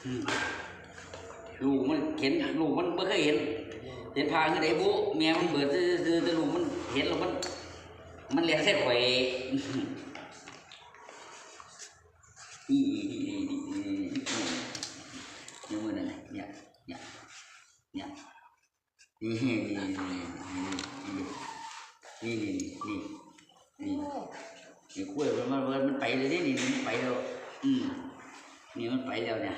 ลูกมันเห็นลูกมันไม่เคยเห็นพาคือไอ้บุแม่มันเปิดแต่ลูกมันเห็นแล้วมันเลี้ยงเส้นไข่นี่มือนั่นเนี่ยนี่คุยมันไปเลยนี่มันไปแล้วนี่มันไปแล้วเนี่ย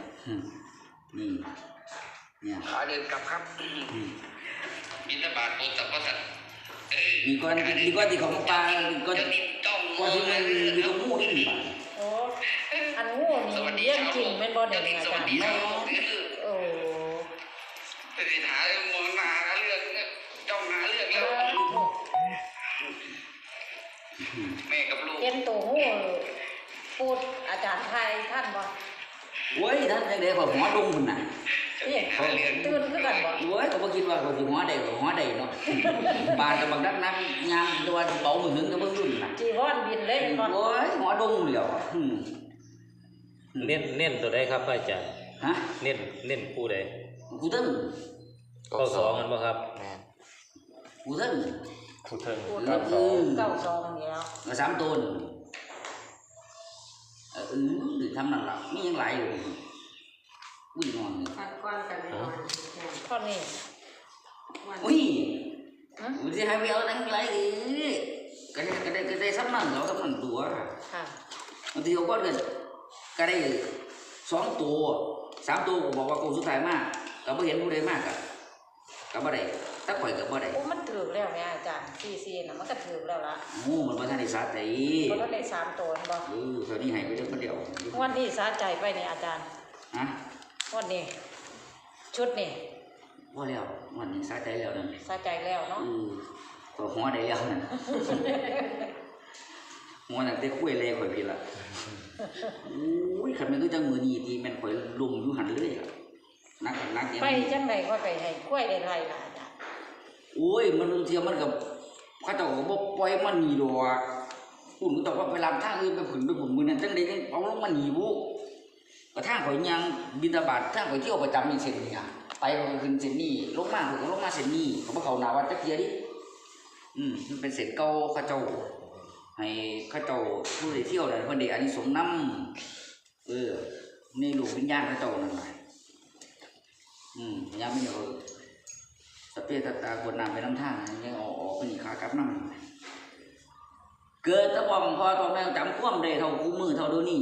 เนี่ยขาเดินกลับครับบินบาตโปรดสัมปทานมีก้อนที่ของปลาก้อนที่มันมีตรงมูนี่ป่ะโอ้อันงูนี่เรื่องจริงเป็นบ่เด็กอาจารย์โอ้ไปหามองหน้าเรื่องจ้องหาเรื่องแล้วแม่กับลูกเห็นตัวงูพูดอาจารย์ไทยท่านบ่โว้ยท่านจะได้แบบหัวดงมันน่ะนี่ตื่นขึ้นกันบ่โว้ยเขาบอกคิดว่าเขาจะหัวใดเนาะบานกับบางนักยามตัวเบามือหึงกับเบื้องรุ่นน่ะจีวรบินเลยบ่โว้ยหัวดงเหลียวเน้นตัวใดครับอาจารย์ฮะเน้นผู้ใดกูตึ้งเข้าสองมันบ่ครับกูตึ้งผู้เทิง 92นี่แล้ว3ตัวทำนั่นล่ะมียังหลายอยู่วิ่งนอนก้อนกันข้อนี้อุ้ยมันจะให้ไปเอาตั้งไรก็ได้ซ้ำนั่นเหรอซ้ำนั่นตัวบางทีเขาก็ได้2 ตัว3 ตัวบอกว่ากูสุดท้ายมากก็ไม่เห็นผู้ใดมากก็ไม่ได้ถ้าปล่อยก็ไม่ได้โอ้มันถือแล้วเนี่ยอาจารย์4น่ะมันก็ถือแล้วล่ะโอ้มันบ่ทันได้สาใจบ่ทันได้3 ตัวบ่ตอนนี้ให้ไปเท่าคนเดียววันนี้สาใจไปเนี่ยอาจารย์ฮะวันนี้ชุดนี่พอแล้ววันนี้สาใจแล้วนั่นสาใจแล้วเนาะก็หัวได้แล้วนั่นหัวนั่นแต่คุยเลยข่อยพี่ละโอ้ยคันมันก็จังมือนี้ที่แม่นข่อยลุมอยู่หันเลยล่ะนักไปจังได๋ก็ไปให้คุยได้ไรล่ะอาจารย์โอ้ยมันเทียมันกับเขาเจ้าก็บ่ปล่อยมันหนีดอกคุณก็ต้องว่าไปลำทางอื่นไปผึ่งไปผมมือนั้นจังได๋จังเอาลงมาหนีบุก็ทางข่อยยังบิณฑบาตทางข่อยเที่ยวประจำนี่เส้นนี่ไปก็ขึ้นเส้นนี้ลงมาก็ลงมาเส้นนี้เขาบ่เข้าหน้าวัดจักเที่ยดิมันเป็นเส้นเก่าเขาเจ้าให้เขาเจ้าผู้ใดเที่ยวนั่นเพิ่นได้อานิสงส์นำนี่ลูกวิญญาณเขาเจ้านั่นล่ะยังไม่เอาสเปรย์ตากดน้ำไปน้ำทางยังออกไปนี่ขากลับน้ำเกิดตะบองพอตอนแม่จำความได้เท่าคู่มือเท่าเดี๋ยวนี้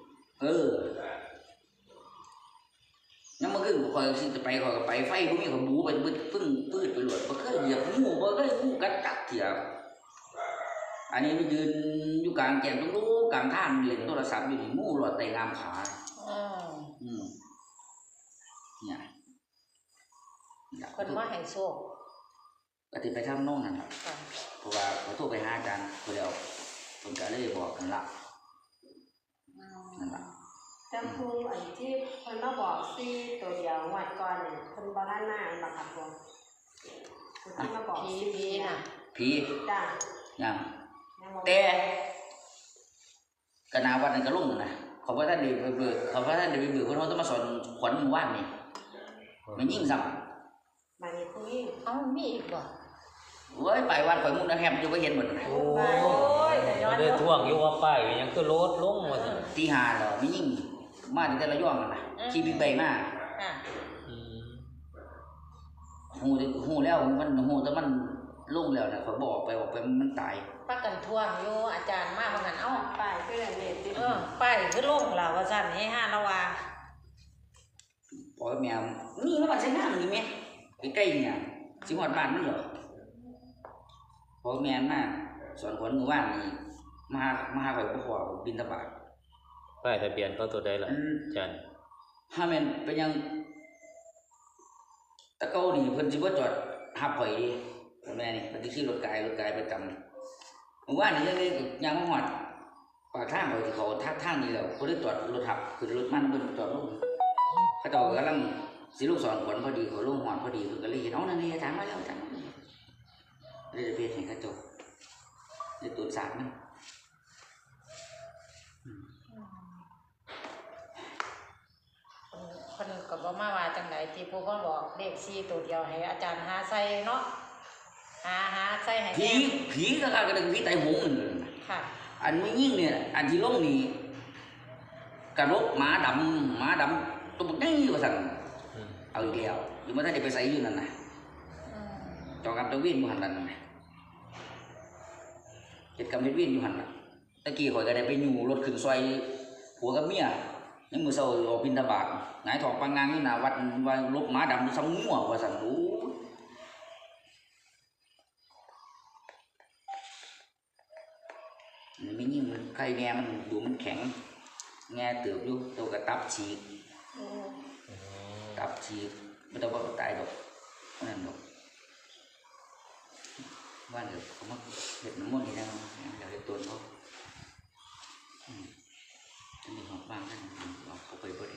ยังมาขึ้นคอยจะไปคอยกับไปไฟพวกนี้เขาบูไปพึ่งปืดไปหลวดบ่เคยเหยียบงูบ่เคยงูกัดจักเถียอันนี้มันยืนอยู่กลางแก่งตรงนู้นกลางท่านเล่นโทรศัพท์อยู่นี่งูหลอดไตงามขาเนี่ยคนมาให้โชคก็ติไปทำโน่นนั่นแหละเพราะว่าเขาโทรไปหาอาจารย์คนเดียวคนก็เลยบอกกันละนั่นแหละจำพูอันที่คนมาบอกซี่ตัวเดียวงวดก่อนเนี่ยคนบ้านหน้าอันบักขับผมที่มาบอกผีน่ะผีจ้ายังแต่กนาวันนั้นก็ลุ่งนะเขาว่าท่านดีไปเบื่อเขาว่าท่านดีไปเบื่อคนเขาต้องมาสอนขวัญหมู่บ้านนี่มันยิ่งซ้ำมันนี่คุยมีอีกบ่เว้ยไปวันข่อยมุ่งนะแฮมจะไปเห็นหมดโอ้ยได้ท่วงอยู่ว่าป้ายยังคือรถลงมาตีหาเหรอมันยิ่งมาถึงแต่ละย่องกันนะขี่บิ๊กไบค์มาหูแล้วมันหูแต่มันลุ่งแล้วนะเขาบอกไปมันตายป้ากันท่วงอยู่อาจารย์มากเหมือนกันป้ายคืออะไรเนี่ยป้ายคือลุ่งล่ะว่าสั่นให้5ละว่าปล่อยแมวนี่มันใช่งานนี่ไหมใกล้ๆเนี่ยสิหอดบ้านนั่นเหรอพอแม่มาสอนคนมือว่านนี่มาหาข่อยบ่พอบินทบาทป้ายทะเบียนเขาตัวใดล่ะอาจารย์ถ้าแม่นเป็นยังตะเก้านี่เพิ่นสิบ่จอดหับข่อยดิแม่นี่เพิ่นสิขี่รถไกลประจำมือว่านนี่เลยยังมาฮอดปากทางข่อยที่เขาทางนี้แล้วเพิ่นได้จอดรถหับขึ้นรถมันเพิ่นจอดลงเขาเจ้ากำลังสิลูกสอนขวัญพอดีเขาลงหอนพอดีเพิ่นก็เลยเห็นนั่นนี่อาจารย์มาแล้วอาจารย์เลยจะเปลี่ยนให้เขาเจ้าในตัวสารมันพิ่นก็บ่มาว่าจังไดที่ผู้เพิ่นบอกเลข4ตัวเดียวให้อาจารย์หาใส่เนาะหาใส่ให้ผีแน่ผีก็กระดึงผีไตหงนั่นเลยค่ะอันไม่ยิ่งเนี่ยอันที่ลงนี่กระรกหมาดำตัวบักนี่ว่าสั่นเอาอีกแล้วอยู่มาถ้าได้ไปใส่อยู่นั่นนะอืมจอกับตะวินอยู่หันนั่นนะเจ็ดกับตะวินอยู่หันน่ะตะกี้ข่อยก็ได้ไปอยู่รถขึ้นซอยผัวกับเมียยังมือเศร้าออกบิณฑบาตหงายถอกปังงานอยู่หน้าวัดว่าลกหมาดำซ้ำงัวว่าสั่นโอ้มันไม่ยิ่งมันไข่แง่มันดูมันแข็งแง่เติบอยู่ตัวกระตับฉีกโอ้ตับฉีกไม่ต้องว่าตายดอกนั่นดอกว่าเดี๋ยวเขามาเห็ดน้ำมันนี่นะเดี๋ยวเห็ดตัวเขาจะมีหอบบ้างนั่นเอาเขาไปบ่ได้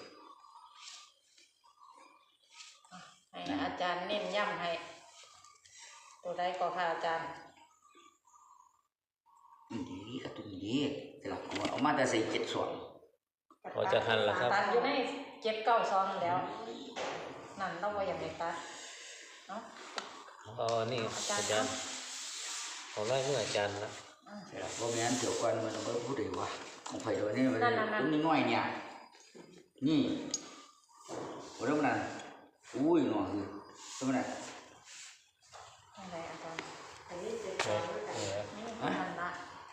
ให้อาจารย์เน้นย้ำให้ตัวใดก็ค่ะอาจารย์ดีกับตัวนี้แต่ละเอามาแต่ใส่เจ็ดส่วนพอจะทันแล้วครับตัดอยู่ใน792แล้วนั่นเราบ่อยากให้ตัดเนาะนี่อาจารย์ขอไล่เมื่ออาจารย์ละแต่ละเพราะงั้นเดี๋ยวก่อนมันต้องพูดเลยว่าของไผ่ตัวนี้มันตัวนี้น้อยเนี่ยนี่วันนั้นมันอุ้ยหน่อยคือตัวนั้นอะไรอาจารย์อันนี้เจ็ดเอสอองด้วยกันนี่มันละ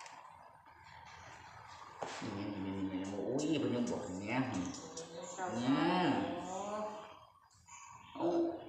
นี่โอ้ยเป็นยังบอกอย่างเงี้ยเก้าเนี่ยโอ้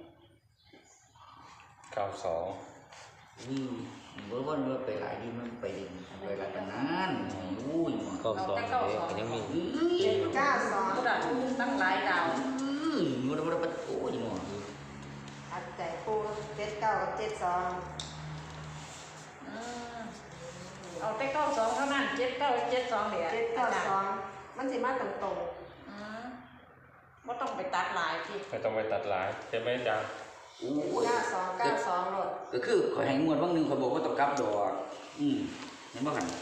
เอา 92 นี่เมื่อวันเราไปหลายที่มันไปเดินไปหลายกันนั้นอุ้ย 92เด็กยังมีเจ็ดเก้าสองผู้ใดตั้งหลายดาวมันไปโอ้ยหน่อยอัดใจปูเจ็ดเก้ากับเจ็ดสองอืมเอาแต่92เท่านั้น79 72เดี๋ยวเจ็ดเก้าสองมันสิมาตรงอืมบ่ต้องไปตัดหลายที่ไม่ต้องไปตัดหลายใช่ไหมอาจารย์โอ้ๆยเก้าสองเก้าสองโหลดก็คือขอให้งวดบางนึงเขาบอกว่าต้องกลับดอกเห็นบ่หัน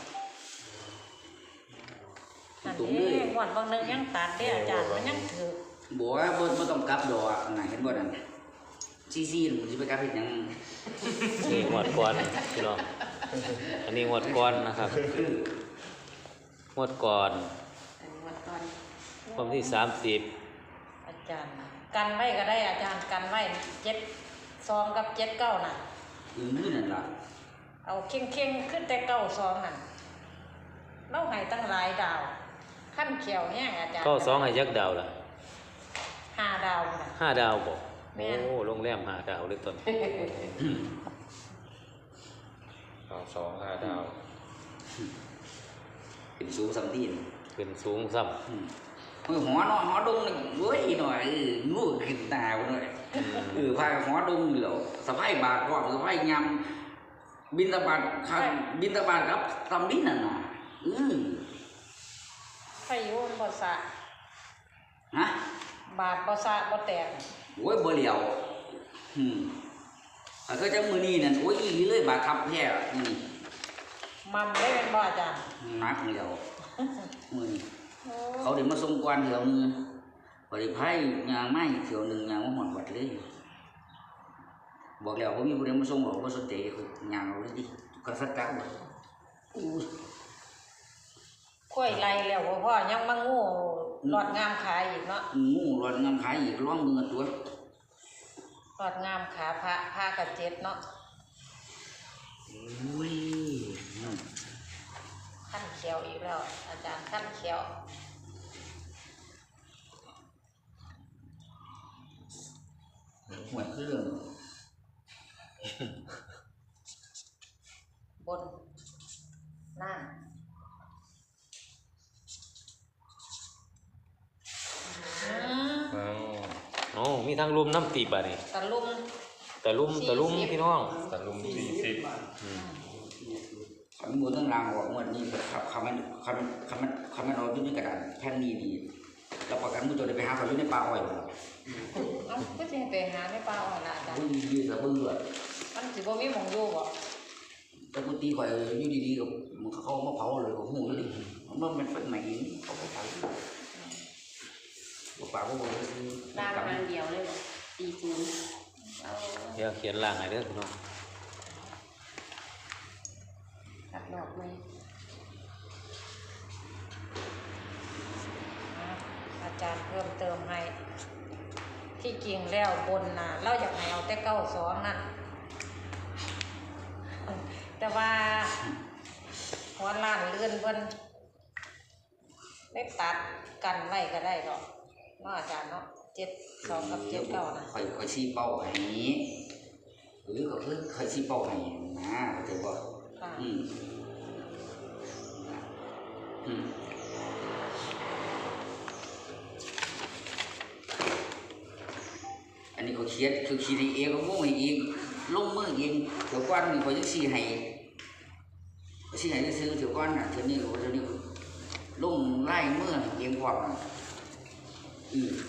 นั่นตรงนี่นี้งวดบางนึงยังตัดเด้อาจารย์มันยังถือบอกว่าบ่ต้องกลับดอกน่ะเห็นบ่นั่นซี่ๆมันสิไปกลับเฮ็ดหยังนี่งวดก่อนพี่น้องอันนี้งวดก่อนนะครับงวดก่อนอันนี้วัดก่อนวันที่30 อาจารย์กันไว้ก็ได้อาจารย์กันไว้72กับ79น่ะมื้อนั่นล่ะเอาเข่งๆขึ้นแต่92นั่นเราให้ตั้งหลายดาวขั้นเขียวแห้งอาจารย์ 92ให้จักดาวล่ะ 5ดาวน่ะ 5 ดาวบ่แม่โอ้นโรงแรม5 ดาวเลยต้น 2 5 ดาวเป็นสูงสำตีนขึ้นสูงซ้ำมือหัวเนาะหัวดงนี่เว้ยหน่อยงูขึ้นตาหน่อยพาหัวดงเหลียวสะพายบาทพร้อมสะพายยำบินตบาทครับบินตบาทครับทำบินนั่นน่ะไฟอยู่มันบ่สะฮะบาดบ่สะบ่แตกโอ้ยบ่เหลียวก็จะมือนี้นั่นโอ้ยอีเลยบาดทับแท้นี่มัมได้เป็นบ่อาจารย์นักเหลียวมือนี้โอ้เขาเดี๋ยวมาส่งกวนเถียวนึงบริพายยางไม้เถียวนึงยางว่าหมอนวัดเลยบอกแล้วผมมีผู้ใดมาส่งบอกว่าสนใจคือยางเอาเลยดิกันสักกะบ่อู้ค่อยไล่แล้วบ่พ่อยังมางูหลอดงามขาอีกเนาะงูรอนงามขายอีกร้องมือตัวหลอดงามขาพระกับเจ็ดเนาะอุ้ยขั้นเขียวอีกแล้ว อาจารย์ขั้นเขียวหวยคือเรื่องบนนั่งโอ้มีทางลุมน้ำตีบอ่ะนี่ตะลุมตะลุมพี่น้องตะลุม40 ขันมือทั้งรางบอกว่านี่ครับคำมันเอาอยู่ในกระดาษแผ่นนี้ดีแล้วประกันมือตัวได้ไปหาเขาอยู่ในป่าอ้อยบ่เอ้าก็สิไปหาในป่าอ่อนล่ะอาจารย์อุ้ยยืดระเบือมันสิบ่มีหม่องอยู่บ่แต่กูตีข่อยอยู่ดีๆกับมันเขามาเผาเลยของหูอยู่ดิมันเป็นไฟใหม่เขาก็เผาปากก็บอกว่าคือล่างทางเดียวเลย40เอาเดี๋ยวเขียนล่างให้เด้อพี่น้องตัดดอกไหมอาจารย์เพิ่มเติมให้ ที่จริงแล้วบนน่ะเราอยากให้เอาแต่เก้าสองนั่นแต่ว่าหัวล้านเลื่อนเพิ่นได้ตัดกันไว้ก็ได้ดอกเนาะอาจารย์เนาะ72กับ79นะค่อยชี้เป้าให้นี้หรือก็คือค่อยชี้เป้าให้นะเข้าใจบ่ค่ะอืมอืมอันนี้เขาเขียนคือขีดเองก็วงให้เองลงมือเองเดี๋ยวก่อนนี่เขาจะชี้ให้ชี้ให้ซื้อเดี๋ยวก่อนน่ะเดี๋ยวนี้ลงไล่มือให้เองพร้อมน่ะอืม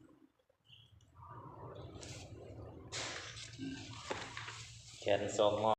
แขน2งอ